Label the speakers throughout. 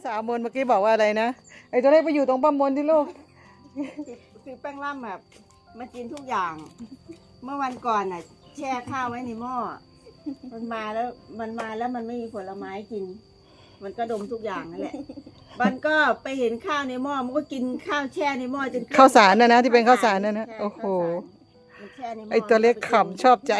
Speaker 1: สาวมนเมื่อกี้บอกว่าอะไรนะไอ้ตัวเล็กไปอยู่ตรงป้ามนที่ลูก
Speaker 2: คือแป้งล่ำแบบมากินทุกอย่าง เมื่อวันก่อนน่ะ แช่ข้าวไว้ในหม้อมันมาแล้วมันไม่มีผลไม้กิน มันก็ดมทุกอย่างนั่นแหละมันก็ไปเห็นข้าวในหม้อมันก็กินข้าวแช่ในหม้อจน
Speaker 1: ข้าวสารนะที่เป็นข้าวสารนะโอ้โห
Speaker 2: มันแช่ในหม้
Speaker 1: ไอ้ตัวเล็กขำชอบใจ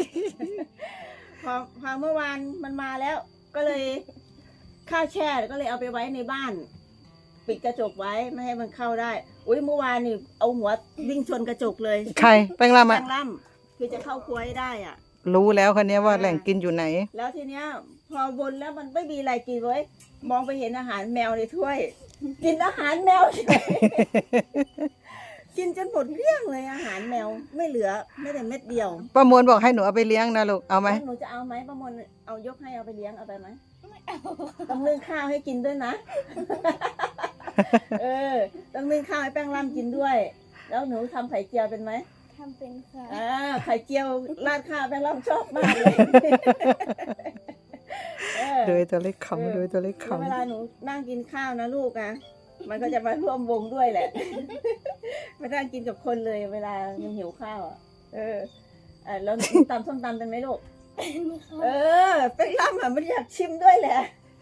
Speaker 2: พอเมื่อวานมันมาแล้ว ก็เลยข้าวแช่ก็เลยเอาไปไว้ในบ้าน ปิดกระจกไว้ไม่ให้มันเข้าได้อุ้ยเมื่อวานนี่เอาหัววิ่งชนกระจกเลย
Speaker 1: ใครแป้งล่ำ
Speaker 2: แป้
Speaker 1: อ่ะ
Speaker 2: งล่ำคือจะเข้าครัวให้ได้อ่ะ
Speaker 1: รู้แล้วคนนี้ว่าแหล่งกินอยู่ไหน
Speaker 2: แล้วทีเนี้ย พอวนแล้วมันไม่มีอะไรกินไว้ยมองไปเห็นอาหารแมวในถ้วย กินอาหารแมว กินจนหมดเกลี้ยงเลยอาหารแมวไม่เหลือไม่แต่เม็ดเดียว
Speaker 1: ป้ามนบอกให้หนูเอาไปเลี้ยงนะลูกเอาไหม
Speaker 2: แล้วหนูจะเอาไหมป้ามนเอายกให้เอาไปเลี้ยงเอาไปไหมต้องนึ่งข้าวให้กินด้วยนะ ต้องนึ่งข้าวให้แป้งร่ำกินด้วย แล้วหนูทำไข่เจียวเป็นไหม
Speaker 3: ทำเป็นค่ะ
Speaker 2: ไข่เจียวราดข้าวแป้งร่ำชอบมากเลย
Speaker 1: โดยตัวเล็กขำโดยตัวเล็กขำ
Speaker 2: เวลาหนูนั่งกินข้าวนะลูกนะมันก็จะมาร่วมวงด้วยแหละ มานั่งกินกับคนเลยเวลามันหิวข้าวอ่ะแล้วตำส้มตำเป็นไหมลูกแป้งร่ำอ่ะมันอยากชิมด้วยแหละ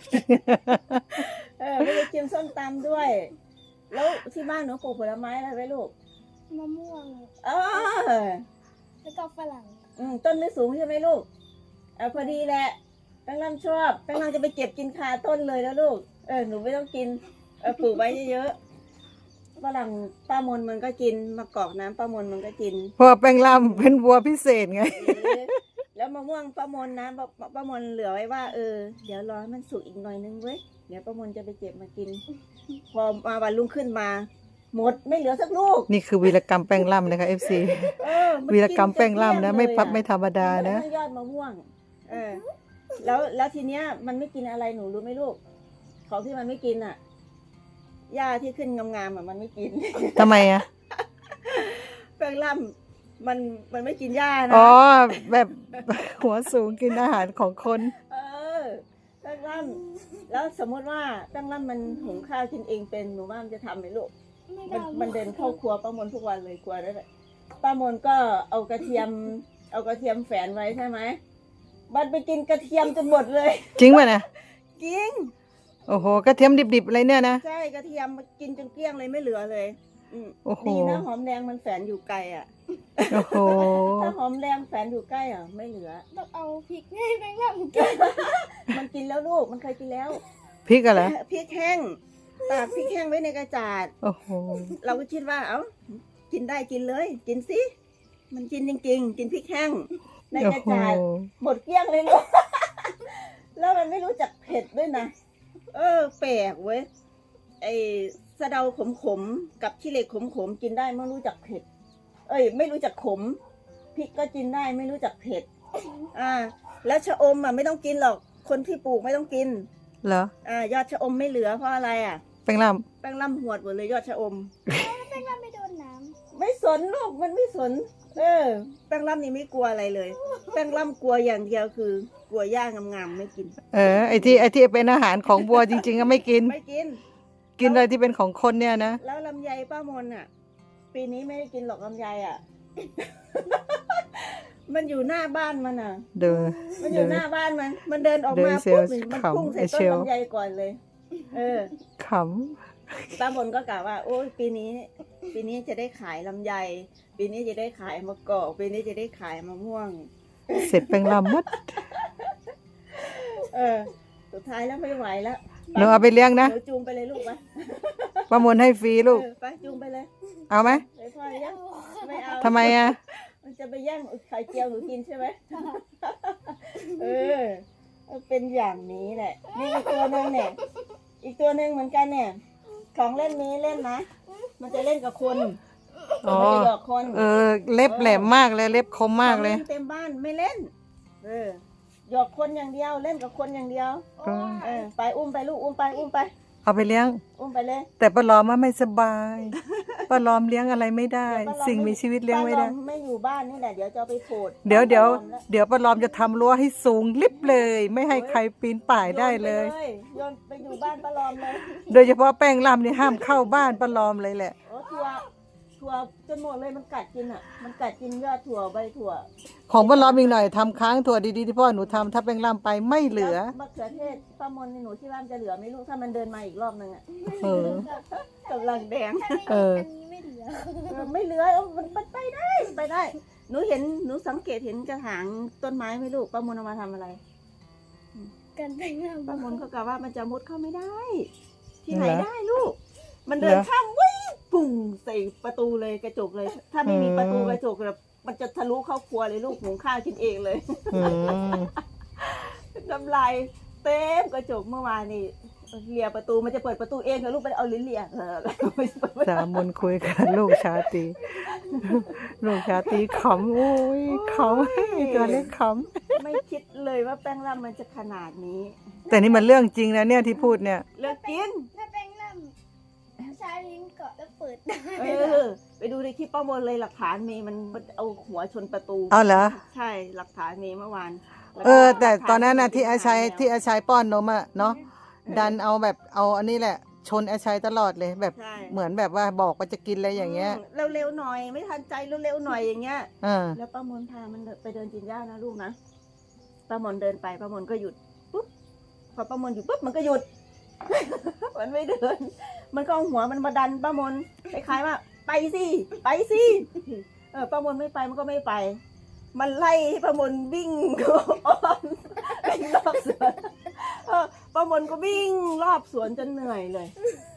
Speaker 2: ไม่ได้ชิมส้มตำด้วย แล้วที่บ้านหนูปลูกผลไม้อะไรไว้ลูก
Speaker 3: มะม่วง แล้วก็ฝรั่ง
Speaker 2: ต้นไม่สูงใช่ไหมลูกพอดีแหละแป้งร่ำชอบแป้งร่ำจะไปเก็บกินคาต้นเลยนะลูกหนูไม่ต้องกินปลูกไว้เยอะๆฝรั่งป้ามนมันก็กินมะกอกน้ำป้ามนมันก็กิน
Speaker 1: เพราะว่าแป้งล่ำเป็นวัวพิเศษไง
Speaker 2: แล้วมะม่วงป้ามนนะป้ามนเหลือไว้ว่าเดี๋ยวรอให้มันสุกอีกหน่อยนึงเว้ยเดี๋ยวป้ามนจะไปเก็บมากิน พอมาวันรุ่งขึ้นมาหมดไม่เหลือสักลูก
Speaker 1: นี่คือวีรกรรมแป้งล่ำนะคะ FC วีรกรรมแป้งล่ำนะไม่ธรรมดานะ
Speaker 2: ยอดมะม่วงแล้วทีเนี้ยมันไม่กินอะไรหนูรู้ไหมลูกของที่มันไม่กินอ่ะหญ้าที่ขึ้นงามๆอ่ะมันไม่กิน
Speaker 1: ทำไมอ่ะ
Speaker 2: แป้งล่ำมันไม่กินหญ้านะ
Speaker 1: อ๋อแบบหัวสูงกินอาหารของคน
Speaker 2: แป้งล่ำแล้วสมมติว่าแป้งล่ำมันหุงข้าวกินเองเป็นหนูว่ามันจะทำไหมลูกมันเดินเข้าครัวป้ามนทุกวันเลยครัวนั่นแหละป้ามนก็เอากระเทียมแฝนไว้ใช่ไหมมันไปกินกระเทียมจนหมดเลย
Speaker 1: จริงป่ะนะ
Speaker 2: จริง
Speaker 1: โอ้โหกระเทียมดิบๆอะไรเนี่ยนะ
Speaker 2: ใช่กระเทียมกินจนเกลี้ยงเลยไม่เหลือเลย
Speaker 1: โอ้โห
Speaker 2: ดีนะหอมแดงมันแฝนอยู่ไกลอ่ะ
Speaker 1: โอ้โห
Speaker 2: ถ้าหอมแดงแฝนอยู่ใกล้อ่ะไม่เหลือ
Speaker 3: ต้องเอาพริกให้แป้งร่ำกิน
Speaker 2: มันกินแล้วลูกมันเคยกินแล้ว
Speaker 1: พริกอะไร
Speaker 2: พริกแห้งตากพริกแห้งไว้ในกระจาด
Speaker 1: โอ้โห
Speaker 2: เราก็คิดว่ากินได้กินเลยกินสิมันกินจริงๆกินพริกแห้งในกระจาดหมดเกลี้ยงเลยลูก แล้วมันไม่รู้จักเผ็ดด้วยนะแปลกเว้ยไอสะเดาขมๆกับขี้เหล็กขมๆกินได้ไม่รู้จักเผ็ดไม่รู้จักขมพริกก็กินได้ไม่รู้จักเผ็ดแล้วชะอมอ่ะไม่ต้องกินหรอกคนที่ปลูกไม่ต้องกิน
Speaker 1: เหร
Speaker 2: ยอดชะอมไม่เหลือเพราะอะไรอ่ะ
Speaker 1: แป้งล่ำ
Speaker 2: แป้งล่ำหวดหมดเลยยอดชะอม
Speaker 3: แป้งร่ำไม่โดนน้
Speaker 2: ไม่สนลูกมันไม่สนแป้งล่ำนี่ไม่กลัวอะไรเลย แป้งล่ำกลัวอย่างเดียวคือกลัวหญ้างามๆไม่กิน
Speaker 1: ไอ้ที่เป็นอาหารของวัวจริงๆก็ไม่กิน
Speaker 2: ไม่กิน
Speaker 1: กินอะไรที่เป็นของคนเนี่ยนะ
Speaker 2: แล้วลำไยป้ามนอ่ะ ปีนี้ไม่ได้กินหรอกลำไยอ่ะ มันอยู่หน้าบ้านมันอ่ะ มันอยู่หน้าบ้านมันเดินออกมาปุ๊บมันพุ่งใส่ต้นลำไยก่อนเลย
Speaker 1: ข
Speaker 2: ป้ามนก็กล่าวว่าโอ้ยปีนี้จะได้ขายลำไยปีนี้จะได้ขายมะกอกปีนี้จะได้ขายมะม่วง
Speaker 1: ำเสร็จแป้งล่ำหมด
Speaker 2: สุดท้ายแล้วไม่ไหวแล้ว
Speaker 1: หนูเอาไปเลี้ยงนะ
Speaker 2: หนูจูงไปเลยลูกไป
Speaker 1: ป้ามนให้ฟรีลูก
Speaker 2: ไปจูงไปเลย
Speaker 1: เอาไหม
Speaker 2: ไปพ่อยังไม่เอา
Speaker 1: ทำไมอ่ะ
Speaker 2: มันจะไปแย่งไข่เจียวหนูกินใช่ไหม เป็นอย่างนี้แหละนี่อีกตัวหนึ่งเนี่ยอีกตัวหนึ่งเหมือนกันเนี่ยของเล่นนี้เล่นนะมันจะเล่นกับคนมันจะหยอกคน
Speaker 1: เล็บแหลมมากเลยเล็บคมมากเลย
Speaker 2: เต็มบ้านไม่เล่นหยอกคนอย่างเดียวเล่นกับคนอย่างเดียวไปอุ้มไปลูกอุ้มไป
Speaker 1: เอาไปเลี้ยง
Speaker 2: อุ้มไปเลย
Speaker 1: แต่ปลอมว่าไม่สบาย ปป้าล้อมเลี้ยงอะไรไม่ได้
Speaker 2: เดี๋ยวป้าล้อม
Speaker 1: สิ่งมีชีวิตเลี้ยงไม่ได้
Speaker 2: ป้าลอไม่อยู่บ้านนี่แหละเดี๋ยวจะเอาไปโผด
Speaker 1: เดี๋ยว
Speaker 2: ป้าล้อมแล้ว
Speaker 1: เดี๋ยวป้าล้อมจะทำรั้วให้สูงลิบเลย ไม่ให้ใครปีนป่ายได้เลย
Speaker 2: โยนไปอยู่บ้านป้าลอมเลย
Speaker 1: โดยเฉพาะแป้งล่ำนี่ห้ามเข้าบ้านป้าล้อมเลยแหละ
Speaker 2: โอ้ถั่วจนหมดเลยมันกัดกินอ่ะ มันกัดกินยอดถั่วใบถั่ว
Speaker 1: ของป้าล้อมอีกหน่อยทำค้างถั่วดีๆที่พ่อหนูทำถ้าแป้งล่ำไปไม่เหลือ
Speaker 2: แล้วมะเขือเทศป้ามนในหนูที่บ้านจะเหลือไหม่รู้ถ้ามันเดินมาอีกรอบนึงอ่ะ
Speaker 1: เออ
Speaker 2: กำลังแดง
Speaker 1: เออ
Speaker 3: อันนี้ไม่เหลือ
Speaker 2: ไม่เหลือมันไปได้ไปได้ หนูสังเกตเห็นกระถางต้นไม้ไหมลูกป้ามนเอามาทำอะไร
Speaker 3: กันแต่งงาน
Speaker 2: ป้ามนเขากล่าวว่ามันจะมุดเข้าไม่ได้ ที่ไหน
Speaker 1: เหรอ
Speaker 2: ได้ลูก มันเดิน
Speaker 1: เหรอ
Speaker 2: ข้ามวิ่งปุ่งใส่ประตูเลยกระจกเลย ถ้าไม่มี
Speaker 1: อืม
Speaker 2: ประตูกระจกแบบมันจะทะลุเข้าครัวเลยลูกหุงข้าวกินเองเลย
Speaker 1: อืม
Speaker 2: น้ำลายเต็มกระจกเมื่อวานนี่เลียประตูมันจะเปิดประตูเองกับลูกไปเอาลิ้นเลียไม่เปิดประตู
Speaker 1: สามมนคุยกันลูกชาตรีลูกชาตรีขำโอ้ยขำตัวเล็กข
Speaker 2: ไม่คิดเลยว่าแป้งร่ำมันจะขนาดนี้
Speaker 1: ำแต่นี่มันเรื่องจริงนะเนี่ยที่พูดเนี่ย
Speaker 2: เลิกกิน
Speaker 3: ถ้าแป้งล่ำใช้ลิ้นเกาะแล้วเปิดได้
Speaker 2: ไปดูในคลิปป้ามนเลยหลักฐานมีมันเอาหัวชนประตู
Speaker 1: เอาเหรอ
Speaker 2: ใช่หลักฐานมีเมื่อวาน
Speaker 1: แต่ตอนนั้นนะที่อาชัยป้อนนมอะเนาะดันเอาแบบเอาอันนี้แหละ ชนอาชัยตลอดเลยแบบ
Speaker 2: ใช่
Speaker 1: เหมือนแบบว่าบอกว่าจะกินอะไรอย่างเงี้ย
Speaker 2: เร็วๆหน่อยไม่ทันใจเร็วๆหน่อยอย่างเงี้ย
Speaker 1: อ่า
Speaker 2: แล้วป้ามนพามันไปเดินกินหญ้านะลูกนะป้ามนเดินไปป้ามนก็หยุดปุ๊บพอป้ามนหยุดปุ๊บมันก็หยุด มันไม่เดิน มันก็เอาหัวมันมาดันป้ามนคล้ายๆว่า ไปสิไปสิป้ามนไม่ไปมันก็ไม่ไป มันไล่ให้ป้ามนวิ่ง วิ่งรอบสวนป้ามนก็วิ่งรอบสวนจนเหนื่อยเลย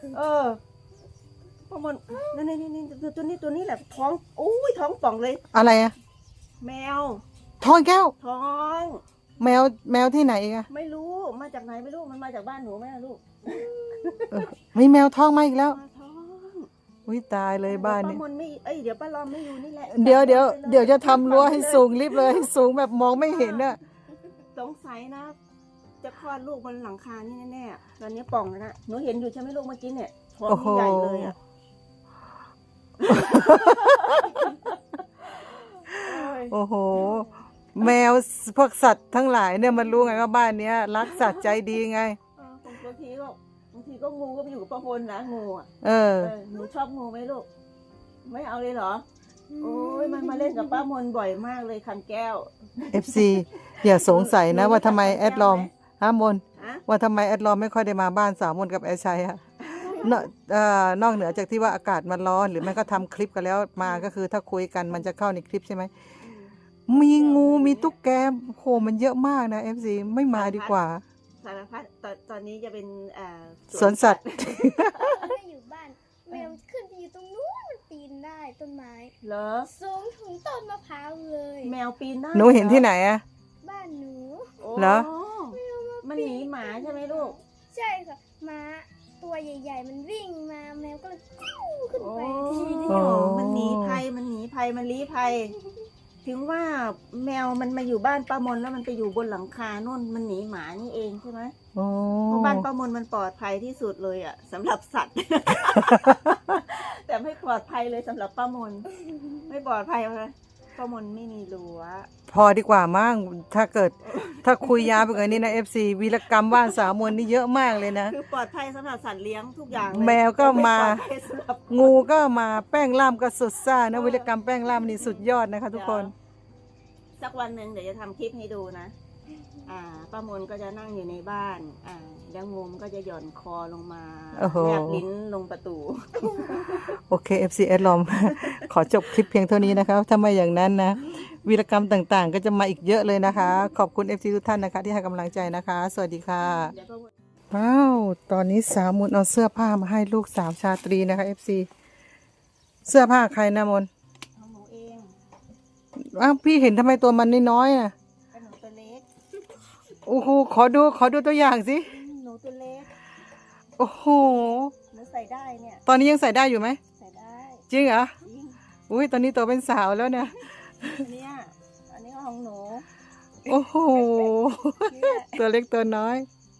Speaker 2: ป้ามนนี่ตัวนี้แหละท้องอุ้ยท้องป่องเลย
Speaker 1: อะไรอะ
Speaker 2: แมว
Speaker 1: ทองแก้ว
Speaker 2: ท้อง
Speaker 1: แมวที่ไหนอีกอะ
Speaker 2: ไม่รู้มาจากไหนไม่รู้มันมาจากบ้านหนูไหมล่ะลูก
Speaker 1: มีแมวทองมาอีกแล้ว
Speaker 2: มาท้อง
Speaker 1: อุ้ยตายเลยบ้านเนี่ย
Speaker 2: ป้ามนไม่เดี๋ยวป้าลอมไม่อยู่นี่แหละ
Speaker 1: เดี๋ยวจะทำรั้วให้สูงลิบเลยให้สูงแบบมองไม่เห็นอะ
Speaker 2: สงสัยนะ จะคลอดลูกบนหลังคานี่แน่ๆตอนนี้ป่องแล้วนะหนูเห็นอยู่ใช่ไหมลูกเมื่อกี้เนี่ยท้องนี่ใหญ่เลยอ่ะโอ้ย
Speaker 1: โอ้โห แมวพวกสัตว์ทั้งหลายเนี่ยมันรู้ไงว่าบ้านเนี้ยรักสัตว์ใจดีไง
Speaker 2: บางทีก็งูก็ไปอยู่กับป้ามนนะงูอ่ะ หนูชอบงูไหมลูกไม่เอาเลยเหรอ โอ้ยมันมาเล่นกับป้ามนบ่อยมากเลยคำแก้ว
Speaker 1: FC อย่าสงสัยนะว่าทำไมแอดลอมมน
Speaker 2: ฮะ
Speaker 1: ว่าทำไมแอดลอมไม่ค่อยได้มาบ้านสาวมนกับแอดชัยอะนอกเหนือจากที่ว่าอากาศมันร้อนหรือไม่ก็ทำคลิปกันแล้วมาก็คือถ้าคุยกันมันจะเข้าในคลิปใช่ไหมมีงูมีตุ๊กแกโหมันเยอะมากนะ FC ไม่มาดีกว่า
Speaker 2: สารพัดตอนนี้จะเป็น
Speaker 1: สวนสัตว์
Speaker 3: ไม่อยู่บ้านแมวขึ้นไปอยู่ตรงนู้นมันปีนได้ต้นไม้
Speaker 2: เหรอ
Speaker 3: สูงถึงต้นมะพร้าวเลย
Speaker 2: แมวปีนได้
Speaker 1: หนูเห็นที่ไหนอะ
Speaker 3: บ้านหนู
Speaker 2: โอ้
Speaker 1: เหรอ
Speaker 2: มันหนีหมาใช่ไหมลูก
Speaker 3: ใช่ค่ะม้าตัวใหญ่ ๆ มันวิ่งมาแมวก็เลยกู้ขึ้น
Speaker 2: โอ้
Speaker 3: ไป
Speaker 2: มันหนีภัยมันลี้ภัย ถึงว่าแมวมันมาอยู่บ้านป้ามนแล้วมันไปอยู่บนหลังคาโน่นมันหนีหมานี่เองใช่ไหม
Speaker 1: โอ้
Speaker 2: เพราะบ้านป้ามนมันปลอดภัยที่สุดเลยอ่ะสำหรับสัตว์ แต่ไม่ปลอดภัยเลยสำหรับป้ามน ไม่ปลอดภัยเลยป้ามนไม่มีรั้ว
Speaker 1: พอดีกว่ามั้งถ้าคุยยาวไปกว่านี้นะ FC วีรกรรมบ้านสาวมนนี่เยอะมากเลยนะ
Speaker 2: คือปลอดภัยสำหรับสัตว์เลี้ยงทุกอย่างเลย
Speaker 1: แมวก็มา
Speaker 2: ไปลอดภัยสำหรับ
Speaker 1: งูก็มาแป้งล่ามก็สุดซ่านะวีรกรรมแป้งล่ามนี่สุดยอดนะคะทุกคน
Speaker 2: สักวันหนึ่งเดี๋ยวจะทำคลิปให้ดูนะ ป้ามนก็จะนั่งอยู่ในบ้าน แล้วงูมนก็จะหย่อนคอลงมา
Speaker 1: โอ้โห
Speaker 2: แลบลิ้นลงประตู
Speaker 1: โอเค FC แอดลอม ขอจบคลิปเพียงเท่านี้นะคะถ้าไม่อย่างนั้นนะวีรกรรมต่างๆ ก็จะมาอีกเยอะเลยนะคะ ขอบคุณ FC ทุกท่านนะคะ ที่ให้กำลังใจนะคะ สวัสดีค่ะ
Speaker 2: เดี๋ยวป้ามน
Speaker 1: ว้าวตอนนี้สาวมนเอาเสื้อผ้ามาให้ลูกสาวชาตรีนะคะ FC เสื้อผ้าใครนะมน
Speaker 2: ของหนูเอง
Speaker 1: อ้าวพี่เห็นทำไมตัวมันน้อยๆน่ะ
Speaker 2: เป็นหนูตัวเล็ก
Speaker 1: โอ้โหขอดูตัวอย่างสิ
Speaker 2: หนูตัวเล็ก
Speaker 1: โอ้โห
Speaker 2: หนูใส่ได้เนี่ย
Speaker 1: ตอนนี้ยังใส่ได้อยู่ไหม
Speaker 2: ใส่ได้
Speaker 1: จริงเหรอ
Speaker 2: จริง
Speaker 1: อุ้ยตอนนี้ตัวเป็นสาวแล้วเนี่ย
Speaker 2: อันนี้ก็ของหนู
Speaker 1: โอ้โห
Speaker 2: เนี่ย
Speaker 1: ตัวเล็กตัวน้อย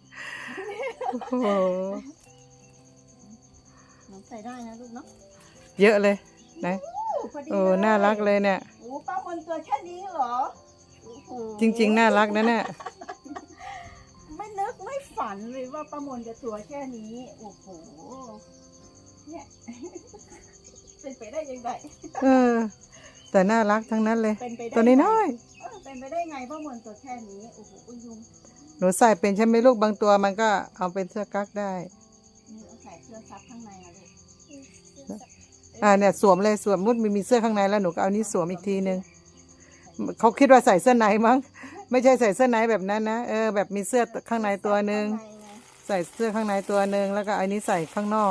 Speaker 1: โอ้โห
Speaker 2: หนูใส่ได้นะลูกเนาะ
Speaker 1: เยอะเลยนะ
Speaker 2: พอดี
Speaker 1: โอ้
Speaker 2: เลย
Speaker 1: น่ารักเลยเนี่ย
Speaker 2: โอ้ป้ามนตัวแค่นี้เหรอโอ้โห
Speaker 1: จริง ๆ น่ารักนะเนี่ย
Speaker 2: ไม่นึกไม่ฝันเลยว่าป้ามนจะตัวแค่นี้โอ้โหเนี่ย เป็นไปได้ยังไง
Speaker 1: เออ แต่น่ารักทั้งนั้นเลย
Speaker 2: เป็นไปได้
Speaker 1: ตัวนี้น้อย
Speaker 2: เป็นไปได้ไงป้ามนตัวแค่นี้โอ้โหคุณยุง
Speaker 1: หนูใส่เป็นใช่ไหมลูกบางตัวมันก็เอาเป็นเสื้อกั๊กได้
Speaker 2: นี่เอาใส่เสื้อซับข้างในอะลูก
Speaker 1: เนี่ยสวมเลยสวมมุดมีเสื้อข้างในแล้วหนูก็เอานี้สวมอีกทีนึงเขาคิดว่าใส่เสื้อในมั้งไม่ใช่ใส่เสื้อในแบบนั้นนะแบบมีเสื้อข้างในตัวหนึ่ง
Speaker 2: ข้างในไง
Speaker 1: ใส่เสื้อข้างในตัวหนึ่งแล้วก็อันนี้ใส่ข้างนอก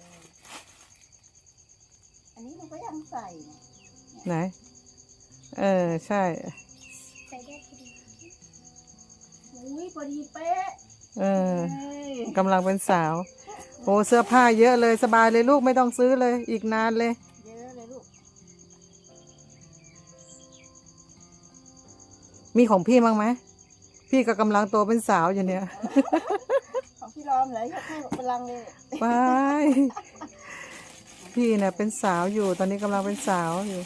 Speaker 2: อันนี้หนูก็ยังใส่เนี่ย
Speaker 1: ไหนใช่
Speaker 3: ใส่ได้พอดี
Speaker 2: อุ้ยพอดีเป๊ะ
Speaker 1: เออ
Speaker 2: เฮ้ย
Speaker 1: กำลังเป็นสาวโอ้เสื้อผ้าเยอะเลยสบายเลยลูกไม่ต้องซื้อเลยอีกนานเลย
Speaker 2: เยอะเลยลูก
Speaker 1: มีของพี่มั้งไหมพี่ก็กำลังโตเป็นสาวอยู่เนี่ย
Speaker 2: ของพี่รอมเหรอยกให้พลังเลย
Speaker 1: ไปพี่เนี่ยเป็นสาวอยู่ตอนนี้กำลังเป็นสาวอยู่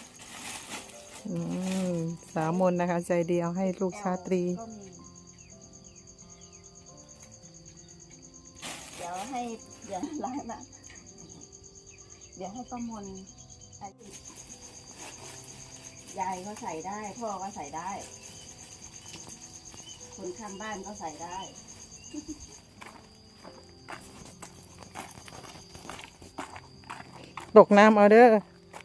Speaker 1: สาวมนนะคะ ใจดีเอาให้ลูกชาตรี
Speaker 2: ก็มีเดี๋ยวให้เดี๋ยวร้านนะเดี๋ยวให้ป้ามนยายเขาใส่ได้ พ่อก็ใส่ได้ คนข้างบ้านก็ใส่ได้
Speaker 1: ตกน้ำเอาเด้อ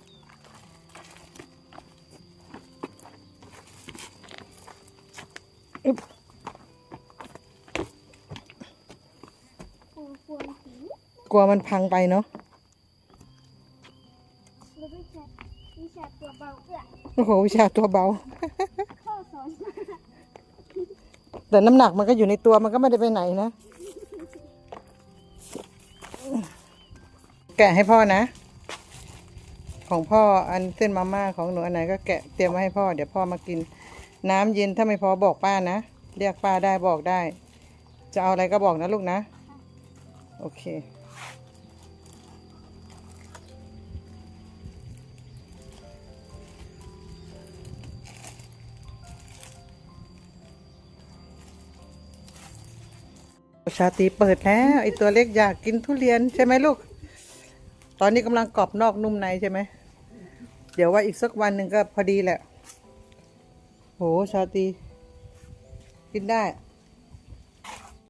Speaker 3: กลัวผี
Speaker 1: กลัวมันพังไปเนาะ
Speaker 3: แล้ววิชาตัวเบาเอื้อ
Speaker 1: โอ้โหวิชาตัวเบา
Speaker 3: พ่อสอน
Speaker 1: แต่น้ำหนักมันก็อยู่ในตัวมันก็ไม่ได้ไปไหนนะ แกะให้พ่อนะ ของพ่ออันเส้นมาม่าของหนูอันไหนก็แกะเตรียมไว้ให้พ่อเดี๋ยวพ่อมากิน น้ำเย็นถ้าไม่พอบอกป้านะเรียกป้าได้บอกได้ จะเอาอะไรก็บอกนะลูกนะ โอเคชาตรีเปิดแล้วไอตัวเล็กอยากกินทุเรียนใช่ไหมลูก ตอนนี้กำลังกรอบนอกนุ่มในใช่ไหม เดี๋ยวว่าอีกสักวันหนึ่งก็พอดีแหละ โหชาตรีกินได้